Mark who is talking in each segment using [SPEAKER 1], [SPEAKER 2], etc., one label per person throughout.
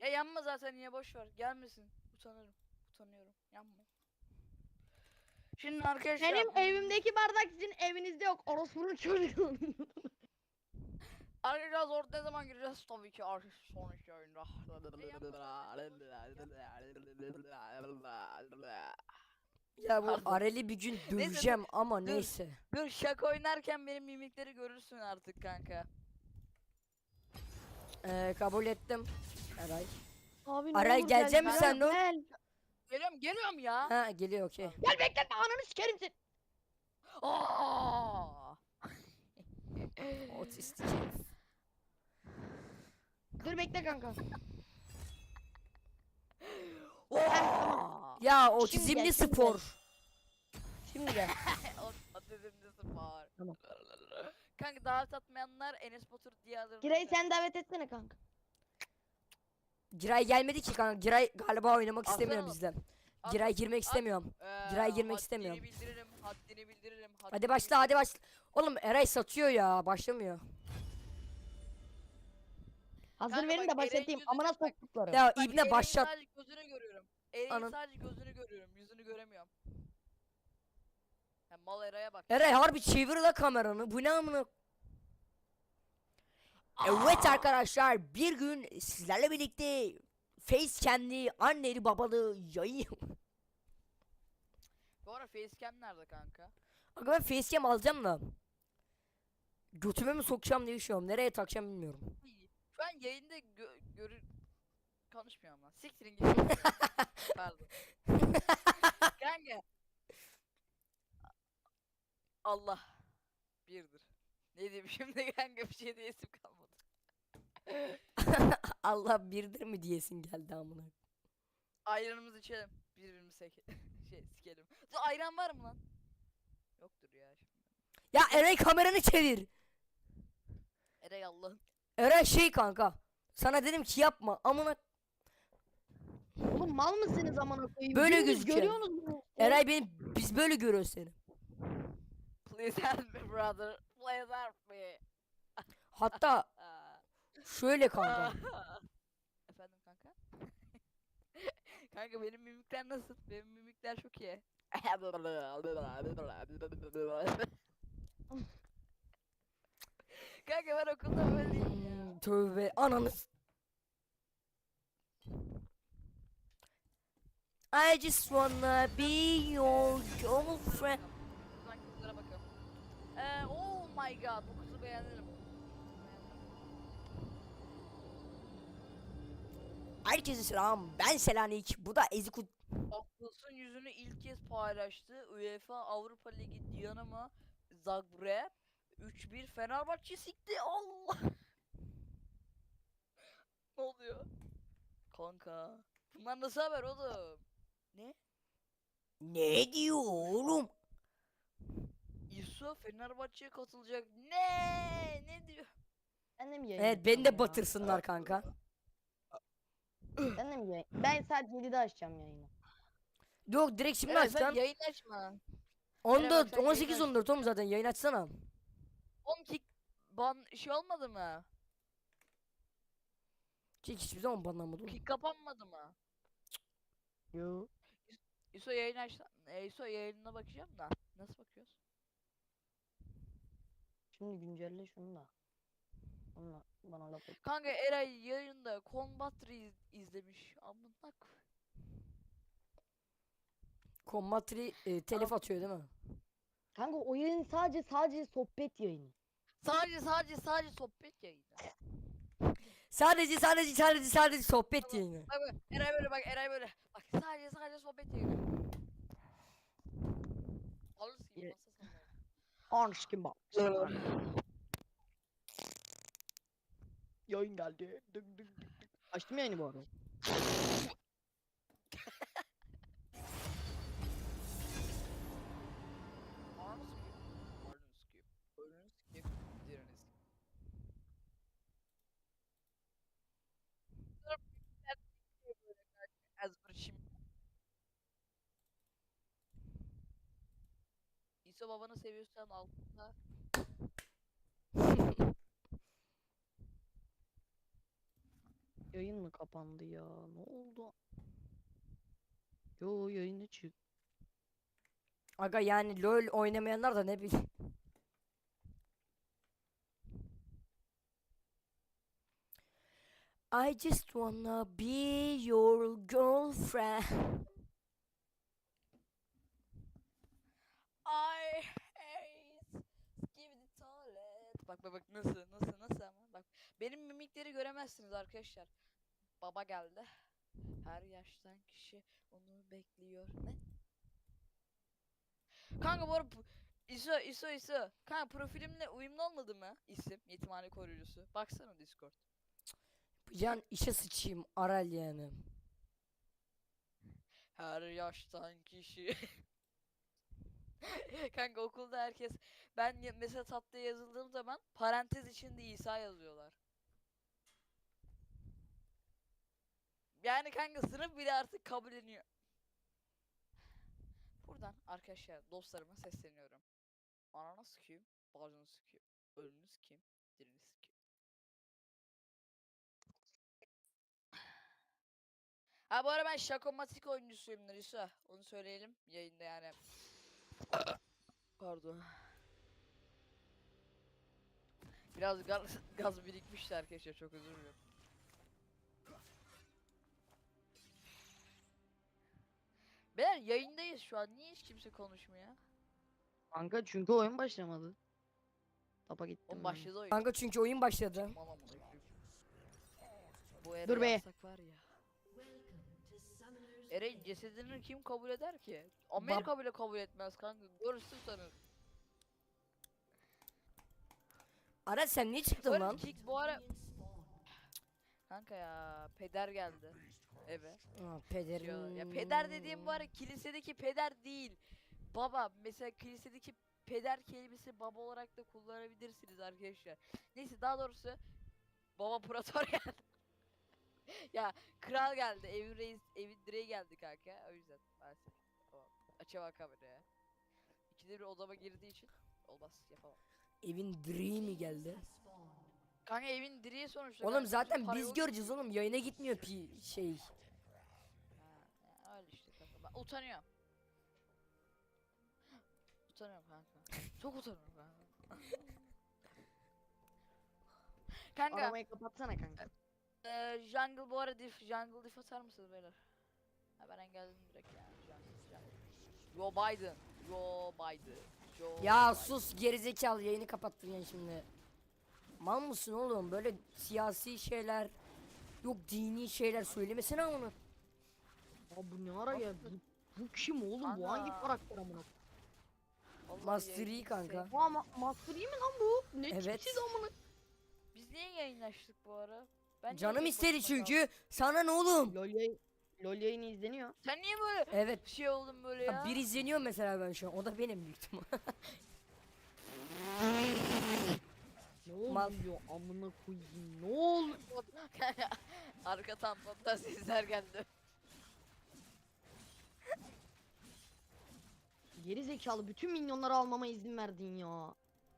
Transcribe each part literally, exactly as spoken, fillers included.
[SPEAKER 1] Ya yanma zaten, niye, boş ver. Gelmesin. Utanırım. Utanıyorum. Yanma. Şimdi arkadaşlar
[SPEAKER 2] Benim
[SPEAKER 1] hmm,
[SPEAKER 2] evimdeki bardak sizin evinizde yok. Orospunun çocuğu.
[SPEAKER 1] Arkadaşlar zor ne zaman gireceğiz? Tabii ki artık sonraki oyunda.
[SPEAKER 3] Ya bu
[SPEAKER 1] Pardon.
[SPEAKER 3] Arel'i bir gün
[SPEAKER 1] Neyse dur,
[SPEAKER 3] döveceğim ama
[SPEAKER 1] dur.
[SPEAKER 3] neyse.
[SPEAKER 1] Dur şaka oynarken benim mimikleri görürsün artık kanka.
[SPEAKER 3] Ee, kabul ettim. Eray.
[SPEAKER 2] Abi ne
[SPEAKER 3] Aray
[SPEAKER 2] olur
[SPEAKER 3] gelecek
[SPEAKER 2] gel.
[SPEAKER 3] misin
[SPEAKER 2] Gel,
[SPEAKER 3] sen de?
[SPEAKER 2] gel.
[SPEAKER 1] Geliyorum geliyorum ya.
[SPEAKER 3] Ha geliyor okey.
[SPEAKER 2] Gel bekletme ananı sikerim seni.
[SPEAKER 1] Aa!
[SPEAKER 3] Otistik herif.
[SPEAKER 2] Dur bekle kanka.
[SPEAKER 1] Aa!
[SPEAKER 3] Ya
[SPEAKER 2] Şimdi
[SPEAKER 3] otizmli
[SPEAKER 2] gel, şimdi
[SPEAKER 3] spor.
[SPEAKER 2] Şimdi gel.
[SPEAKER 1] O atizmli spor.
[SPEAKER 2] Tamam.
[SPEAKER 1] Kanka davet atmayanlar Enes Batur diye alır.
[SPEAKER 2] Girey sen davet etsene kanka.
[SPEAKER 3] Giray gelmedi ki kanka. Giray galiba oynamak
[SPEAKER 1] Atsana
[SPEAKER 3] istemiyor
[SPEAKER 1] oğlum.
[SPEAKER 3] bizden.
[SPEAKER 1] At,
[SPEAKER 3] Giray girmek
[SPEAKER 1] at.
[SPEAKER 3] istemiyorum.
[SPEAKER 1] Ee,
[SPEAKER 3] Giray girmek
[SPEAKER 1] haddini
[SPEAKER 3] istemiyorum.
[SPEAKER 1] bildiririm, haddini bildiririm.
[SPEAKER 3] Hadi
[SPEAKER 1] haddini
[SPEAKER 3] başla hadi
[SPEAKER 1] bildiririm.
[SPEAKER 3] başla. Oğlum Eray satıyor ya. Başlamıyor.
[SPEAKER 2] Hazır
[SPEAKER 1] Kanka
[SPEAKER 2] verin
[SPEAKER 1] bak,
[SPEAKER 2] de
[SPEAKER 1] Eren'in
[SPEAKER 2] başlatayım.
[SPEAKER 1] yüzünü
[SPEAKER 2] Amına
[SPEAKER 1] bak.
[SPEAKER 2] soktuklarım.
[SPEAKER 3] Ya
[SPEAKER 1] Bak
[SPEAKER 3] ibne
[SPEAKER 1] Eren'in
[SPEAKER 3] başlat.
[SPEAKER 1] sadece gözünü görüyorum. Eren'in
[SPEAKER 3] Anın.
[SPEAKER 1] sadece gözünü görüyorum. Yüzünü göremiyorum. Ya mal Eray'a bak.
[SPEAKER 3] Eray harbi çevir la kameranı. Bu ne amına? Evet arkadaşlar bir gün sizlerle birlikte Facecam'li anneli babalı yayın.
[SPEAKER 1] Bu ara facecam nerede kanka?
[SPEAKER 3] Aga ben Facecam alacağım da. Götüme mi sokacağım diye düşünüyorum. Nereye takacağım bilmiyorum.
[SPEAKER 1] Şu an yayında gö görür... Konuşmuyorum lan. Siktirin gidin. Pardon. Kanka. Allah. Birdir. Ne diyeyim şimdi kanka, bir şey diyesim kalmadı.
[SPEAKER 3] Allah birdir mi diyesin geldi amına.
[SPEAKER 1] Ayranımızı içelim. Birbirimizi sek şey sikelim. Dur, ayran var mı lan? Yoktur ya şimdi.
[SPEAKER 3] Ya Eray kameranı çevir.
[SPEAKER 1] Eray Allah'ım.
[SPEAKER 3] Eray şey kanka. Sana dedim ki yapma amına.
[SPEAKER 2] Oğlum mal mısınız amına koyayım?
[SPEAKER 3] Böyle
[SPEAKER 2] Dümdüz
[SPEAKER 3] gözüküyor.
[SPEAKER 2] Görüyorsunuz mu?
[SPEAKER 3] Eray benim biz böyle görüyoruz seni.
[SPEAKER 1] Please help me brother. Please help me.
[SPEAKER 3] Hatta
[SPEAKER 1] Aa.
[SPEAKER 3] şöyle kanka.
[SPEAKER 1] Efendim kanka? Kanka benim mimikler nasıl? Benim mimikler çok iyi. Kanka ben okulda böyleyim ya.
[SPEAKER 3] Hmm, tövbe ananı. s- I just wanna be your girlfriend.
[SPEAKER 1] Buradan kızlara bakalım. Ee, oh my god, bu kızı beğenirim.
[SPEAKER 3] Herkese selam. Ben Selanik. Bu da Ezikut.
[SPEAKER 1] Akılsın yüzünü ilk kez paylaştı. UEFA Avrupa Ligi Dinamo Zagreb üç bir Fenerbahçe sikti. Allah. Ne oluyor? Kanka. Bunlar nasıl haber oğlum? Ne?
[SPEAKER 3] Ne diyor oğlum?
[SPEAKER 1] İso Fenerbahçe'ye katılacak. Ne? Ne diyor?
[SPEAKER 2] Ben de mi yayın
[SPEAKER 3] Evet beni
[SPEAKER 2] açacağım
[SPEAKER 3] de
[SPEAKER 2] ya?
[SPEAKER 3] batırsınlar kanka.
[SPEAKER 2] Ben de mi yayın? Ben sadece yedide açacağım yayını.
[SPEAKER 3] Yok direkt şimdi
[SPEAKER 1] Evet,
[SPEAKER 3] aç
[SPEAKER 1] sen
[SPEAKER 3] lan.
[SPEAKER 1] yayın açma. Eren bak,
[SPEAKER 3] on dört
[SPEAKER 1] sen yayın
[SPEAKER 3] on sekiz
[SPEAKER 1] aç.
[SPEAKER 3] on dört oğlum zaten yayın açsana.
[SPEAKER 1] on kick ban şey olmadı mı?
[SPEAKER 3] Çek hiçbir zaman banlanmadı oğlum.
[SPEAKER 1] Kick kapanmadı mı?
[SPEAKER 2] Yo.
[SPEAKER 1] İso yayın aç. E, İso yayınına bakacağım da. Nasıl bakıyoruz?
[SPEAKER 2] Şimdi güncelle şunu da. Onunla bana laf et.
[SPEAKER 1] Kanka Eray yayında Combat iz izlemiş. Amına koy-
[SPEAKER 3] Kombatri e, telif atıyor değil mi?
[SPEAKER 2] Kanka o yayın sadece sadece sohbet yayını.
[SPEAKER 1] Sadece sadece sadece sohbet yayını.
[SPEAKER 3] Sadece sadece sadece sadece sohbet
[SPEAKER 1] Tamam.
[SPEAKER 3] yayını.
[SPEAKER 1] Bak bak Eray böyle, bak Eray böyle. Bak sadece sadece sohbet yayını. Alırsın gibi
[SPEAKER 2] Ye-
[SPEAKER 1] masa sallayın.
[SPEAKER 2] Anş kim bak. Yayın geldi. Dık dık dık dık. Açtım yayını bu arada.
[SPEAKER 1] Arm skip. Pardon skip. Pardon skip. Diğerini skip. Az bir şimdi. İso babanı seviyorsan altında.
[SPEAKER 2] Yayın mı kapandı ya? Ne oldu? Yo yayını çık.
[SPEAKER 3] Aga yani LoL oynamayanlar da ne bileyim. I just wanna be your girlfriend.
[SPEAKER 1] I hate skibidi tuvalet. Bak bak bak nasıl nasıl nasıl ama bak. Benim mimikleri göremezsiniz arkadaşlar. Baba geldi. Her yaştan kişi onu bekliyor. Ne? Kanka bu arada bu- İso İso İso. Kanka profilimle uyumlu olmadı mı? İsim yetimhane koruyucusu. Baksana Discord.
[SPEAKER 3] Can işe sıçayım Aral yani.
[SPEAKER 1] Her yaştan kişi. Kanka okulda herkes ben ya- mesela tatlıya yazıldığım zaman parantez içinde İsa yazıyorlar. Yani kanka sınıf bile artık kabulleniyor. Buradan arkadaşlar dostlarıma sesleniyorum. Ananı sikeyim, bacını sikeyim, ölünü sikeyim, dirini sikeyim. Ha bu arada ben şakomatik oyuncusuyum Nurisa. Onu söyleyelim yayında yani. Pardon. Biraz gaz, gaz birikmişti arkadaşlar, çok özür dilerim. Beyler yayındayız şu an, niye hiç kimse konuşmuyor?
[SPEAKER 2] Kanka çünkü oyun başlamadı. Tapa gittim.
[SPEAKER 1] O
[SPEAKER 2] ben.
[SPEAKER 1] başladı oyun.
[SPEAKER 3] Kanka çünkü oyun başladı.
[SPEAKER 1] Mal amına koyayım. Bu Ereği
[SPEAKER 2] Dur be.
[SPEAKER 1] yapsak var ya. Ereğin cesedini kim kabul eder ki? Amerika bile kabul etmez kanka. Görürsün sanır.
[SPEAKER 3] Aral sen niye çıktın
[SPEAKER 1] Böyle
[SPEAKER 3] lan?
[SPEAKER 1] kick bu ara... Kanka ya peder geldi eve.
[SPEAKER 3] Aa,
[SPEAKER 1] Ya,
[SPEAKER 3] pederin.
[SPEAKER 1] ya peder dediğim bu ara kilisedeki peder değil. Baba mesela kilisedeki peder kelimesi baba olarak da kullanabilirsiniz arkadaşlar. Neyse daha doğrusu baba prator geldi. Ya kral geldi, evin reis, evin direği geldi kanka. O yüzden maalesef. Tamam. Açamam kameraya. İkide bir odama girdiği için olmaz, yapamam.
[SPEAKER 3] Evin direği mi geldi?
[SPEAKER 1] Kanka evin direği sonuçta.
[SPEAKER 3] Oğlum
[SPEAKER 1] kanka,
[SPEAKER 3] zaten
[SPEAKER 1] bütün para
[SPEAKER 3] biz
[SPEAKER 1] yok.
[SPEAKER 3] göreceğiz oğlum, yayına gitmiyor pi şey.
[SPEAKER 1] Ha, ya öyle işte kanka. Ben utanıyorum. Utanıyorum kanka. Çok utanıyorum kanka. Kanka,
[SPEAKER 2] Aramayı kapatsana kanka.
[SPEAKER 1] eee jungle bu ara diff, jungle diff atar mısınız beyler? Ha ben engelledim direkt ya. Jungle, jungle. Joe Biden. Joe Biden. Joe
[SPEAKER 3] Ya
[SPEAKER 1] Biden.
[SPEAKER 3] sus gerizekalı, yayını kapattın ya şimdi. Mal mısın oğlum, böyle siyasi şeyler yok, dini şeyler söylemesene onu.
[SPEAKER 2] Aa bu ne ara geldi? Bu, bu kim oğlum? Bu hangi
[SPEAKER 1] Ana.
[SPEAKER 2] karakter amına?
[SPEAKER 1] Vallahi
[SPEAKER 3] Master Yi
[SPEAKER 1] yayını
[SPEAKER 3] kanka.
[SPEAKER 1] sev-
[SPEAKER 2] Aa ma Master Yi mi lan bu? Ne
[SPEAKER 3] Evet.
[SPEAKER 2] tipsiz amına?
[SPEAKER 1] Biz niye yayınlaştık bu ara? Ben niye
[SPEAKER 3] Canım
[SPEAKER 1] tek
[SPEAKER 3] istedi
[SPEAKER 1] başıma kaldım?
[SPEAKER 3] çünkü. Sana ne oğlum?
[SPEAKER 2] LoL yayın, LoL yayını izleniyor.
[SPEAKER 1] Sen niye böyle
[SPEAKER 3] Evet.
[SPEAKER 1] şey oldun böyle ya?
[SPEAKER 3] Ya bir izleniyor mesela ben şu an. O da benim büyük ihtimal.
[SPEAKER 2] Ne
[SPEAKER 3] Mal.
[SPEAKER 2] oluyor amına koyayım? Ne oluyor?
[SPEAKER 1] Arka tamponda sesler geldi.
[SPEAKER 2] Geri zekalı bütün minyonları almama izin verdin ya.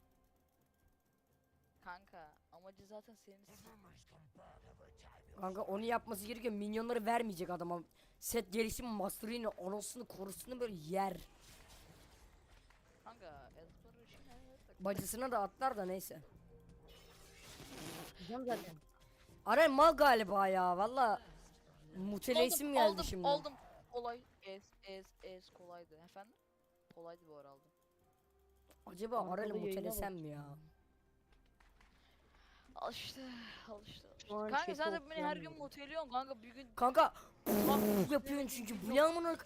[SPEAKER 1] Kanka amacı zaten senin.
[SPEAKER 3] Kanka onu yapması gerekiyor. Minyonları vermeyecek adama. Set gelişim Master'ını anasını korusunu böyle yer.
[SPEAKER 1] Kanka Ezber'ı şimdi
[SPEAKER 3] Bacısına da atlar da neyse.
[SPEAKER 2] Diyeceğim zaten.
[SPEAKER 3] Aray mal galiba ya valla. Muteleysim geldi
[SPEAKER 1] aldım,
[SPEAKER 3] şimdi.
[SPEAKER 1] Aldım. Kolay. Es es es kolaydı efendim. Kolaydı bu ara aldım.
[SPEAKER 3] Acaba
[SPEAKER 2] Arkada
[SPEAKER 3] Aray'la
[SPEAKER 2] yayına
[SPEAKER 3] mutelesem
[SPEAKER 2] bak.
[SPEAKER 3] mi ya?
[SPEAKER 1] Al işte, al işte. al işte.
[SPEAKER 2] Şu an
[SPEAKER 1] Kanka
[SPEAKER 2] chat'i
[SPEAKER 1] sen de beni her gün
[SPEAKER 2] okuyamıyorum.
[SPEAKER 1] muteliyorsun kanka bir gün.
[SPEAKER 3] Kanka yapıyorsun çünkü bu ne amına.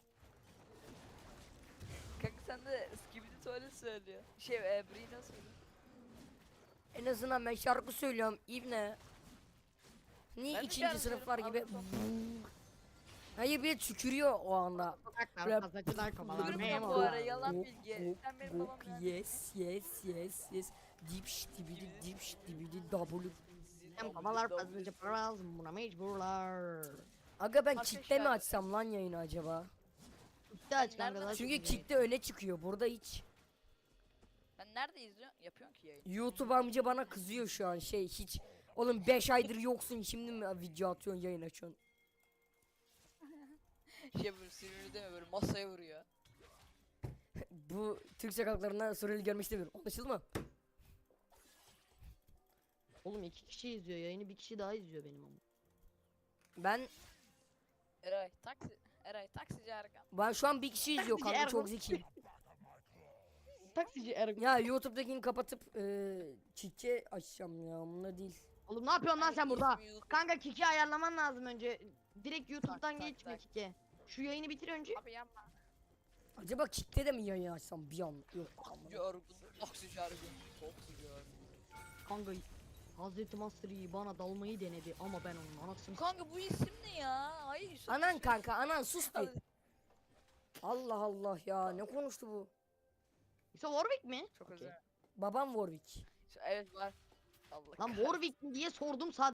[SPEAKER 1] Kanka sen de skibidi tuvalet söylüyor. Şey e, Brina söylüyor.
[SPEAKER 3] En azından ben şarkı söylüyorum İbne. Niye
[SPEAKER 1] Ben de
[SPEAKER 3] ikinci
[SPEAKER 1] şarkı
[SPEAKER 3] sınıflar gibi?
[SPEAKER 1] söylüyorum,
[SPEAKER 3] Hayır bir de tükürüyor o anda.
[SPEAKER 2] Sokaklar
[SPEAKER 3] Rap-
[SPEAKER 2] fazlacılar kovalar
[SPEAKER 1] Buyurun
[SPEAKER 2] memur.
[SPEAKER 1] bu ara yalan
[SPEAKER 3] Gok,
[SPEAKER 1] bilgi.
[SPEAKER 3] gok,
[SPEAKER 1] Sen benim
[SPEAKER 3] gok,
[SPEAKER 1] babam yani.
[SPEAKER 3] yes yes yes yes. Dipş dibidi dipş dibidi double.
[SPEAKER 2] Hem kovalar fazlaca para lazım buna mecburlar.
[SPEAKER 3] Aga ben
[SPEAKER 1] Arkadaşlar-
[SPEAKER 3] kitle mi açsam lan yayını acaba?
[SPEAKER 2] Bitti aç kanka
[SPEAKER 1] nereden
[SPEAKER 2] daha
[SPEAKER 3] Çünkü
[SPEAKER 2] çok iyi.
[SPEAKER 3] kitle öne çıkıyor burada hiç.
[SPEAKER 1] Ben nerede izliyorsun? Yapıyorsun ki yayın.
[SPEAKER 3] YouTube amca bana kızıyor şu an şey hiç Oğlum beş aydır yoksun şimdi mi video atıyorsun yayın açıyorsun?
[SPEAKER 1] Şey böyle sinirli değil mi böyle masaya vuruyor.
[SPEAKER 3] Bu Türk sokaklarında Suriyeli görmek istemiyorum. Anlaşıldı mı?
[SPEAKER 2] Oğlum iki kişi izliyor yayını, bir kişi daha izliyor benim ama.
[SPEAKER 3] Ben
[SPEAKER 1] Eray taksi. Eray taksici Erkan.
[SPEAKER 3] ben şu an bir kişi izliyor
[SPEAKER 2] Taksici
[SPEAKER 3] kanka, çok
[SPEAKER 2] Ergun.
[SPEAKER 3] zekiyim.
[SPEAKER 2] Taksici Ergun.
[SPEAKER 3] Ya YouTube'dakini kapatıp eee çiçeği açacağım ya, bununla değil.
[SPEAKER 2] Oğlum ne yapıyorsun lan sen burada?
[SPEAKER 1] İsmi YouTube.
[SPEAKER 2] Kanka Kiki ayarlaman lazım önce. Direkt YouTube'dan
[SPEAKER 1] tak,
[SPEAKER 2] geçme
[SPEAKER 1] tak.
[SPEAKER 2] Kiki. Şu yayını bitir önce.
[SPEAKER 1] Abi yapma.
[SPEAKER 3] Acaba kitle de mi yayın açsam bir an? Yok.
[SPEAKER 1] Taksici Ergun. Taksici Ergun. Taksici Ergun.
[SPEAKER 2] Kanka Hazreti Master Yi bana dalmayı denedi ama ben onun anasını s-
[SPEAKER 1] Kanka bu isim ne ya? Hayır Yusuf.
[SPEAKER 3] Anan kanka, anan sus bir. Allah Allah ya, ne konuştu bu?
[SPEAKER 2] İşte Warwick mi?
[SPEAKER 1] Çok
[SPEAKER 2] Okey.
[SPEAKER 1] özel.
[SPEAKER 3] Babam Warwick.
[SPEAKER 1] Evet var. Allah
[SPEAKER 2] Lan
[SPEAKER 1] kahretsin.
[SPEAKER 2] Warwick mi diye sordum sadece.